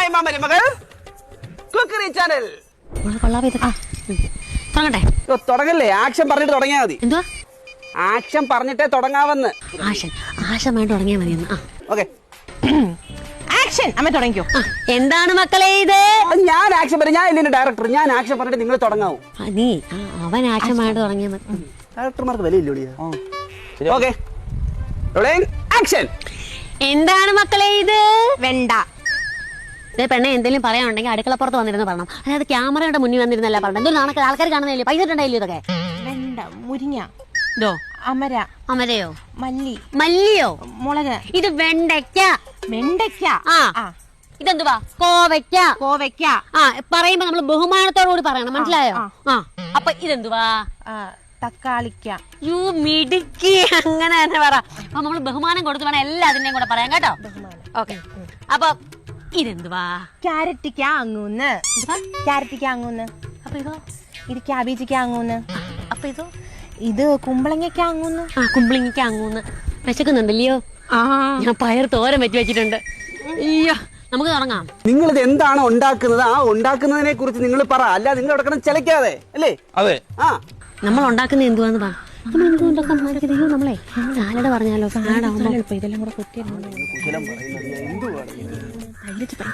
അമ്മായിമ്മ മരുമകൾ cookery channel. തുടങ്ങല്ലേ, ആക്ഷൻ പറഞ്ഞിട്ട് തുടങ്ങിയാ മതി. എന്തുവാ ആക്ഷൻ പറഞ്ഞിട്ടേ തുടങ്ങാവെന്ന്. ആശം വേണ്ട തുടങ്ങിയാ മതി. Okay, action. അമ്മ തുടങ്ങിക്കോ. എന്താണ് മക്കളെ ഇത്? ഞാൻ ആക്ഷൻ പറയും. ഞാൻ ഇതിന്റെ ഡയറക്ടർ. ഞാൻ ആക്ഷൻ പറഞ്ഞിട്ട് നിങ്ങൾ തുടങ്ങാവൂ. നീ അവൻ ആക്ഷൻ വേണ്ട തുടങ്ങിയാ മതി. ഡയറക്ടർമാർക്ക് വിലയില്ലേ? Okay, action. എന്താണ് മക്കളെ ഇത്? വെണ്ട. പെണ്ണെ എന്തെങ്കിലും പറയാനുണ്ടെങ്കിൽ അടുക്കളപ്പുറത്ത് വന്നിരുന്നു പറയണം. അതായത് ക്യാമറയുടെ മുന്നിൽ വന്നിരുന്നല്ല പറഞ്ഞത്. എന്തൊരു നാണൊക്കെ ആൾക്കാർ കാണുന്നില്ലേ? പൈസ ഇട്ടുണ്ടായില്ലോ ഇതൊക്കെ. വെണ്ട, മുരിങ്ങ, അമര, അമരയോ, മല്ലി, മല്ലിയോ, മുളക്. ഇത് വെണ്ടയ്ക്ക. വെണ്ടയ്ക്ക. ഇതെന്തുവാ? കോവയ്ക്ക. കോവയ്ക്ക. പറയുമ്പോ നമ്മള് ബഹുമാനത്തോടുകൂടി പറയണം, മനസ്സിലായോ? അപ്പൊ ഇതെന്തുവാ? തക്കാളിക്ക. യു മിടുക്കി, അങ്ങനെ തന്നെ പറ. അപ്പൊ നമ്മള് ബഹുമാനം കൊടുത്ത് വേണം എല്ലാത്തിന്റെയും കൂടെ പറയാം കേട്ടോ. ഓക്കെ, അപ്പൊ ഇതെന്തുവാ? ക്യാരറ്റിക്ക അങ്ങൂന്ന്. ക്യാരറ്റിക്ക അങ്ങൂന്ന്. അപ്പൊ ഇതോ? ഇത് ക്യാബേജിക്ക അങ്ങൂന്ന്. അപ്പൊ ഇതോ? ഇത് കുമ്പളങ്ങയ്ക്ക അങ്ങൂന്ന്. കുമ്പളങ്ങിക്ക അങ്ങൂന്ന്. വിശക്കുന്നുണ്ടല്ലയോ? ഞാൻ പയർ തോരൻ വെച്ചിട്ടുണ്ട്. അയ്യോ, നമുക്ക് തുടങ്ങാം. നിങ്ങൾ ഇത് എന്താണ് ഉണ്ടാക്കുന്നത്? ആ ഉണ്ടാക്കുന്നതിനെ കുറിച്ച് നിങ്ങൾ പറ. അല്ല നിങ്ങൾ ഇവിടെ കിടന്ന് ചിലക്കാതെ അല്ലേ? അതെ. നമ്മൾ ഉണ്ടാക്കുന്നത് എന്തുവാന്ന് പറ. നമ്മളെ സാലഡ് പറഞ്ഞാലോ? സാലഡ് ആവുമ്പോ ഇതെല്ലാം കൂടെ കുത്തിയിരുന്നു.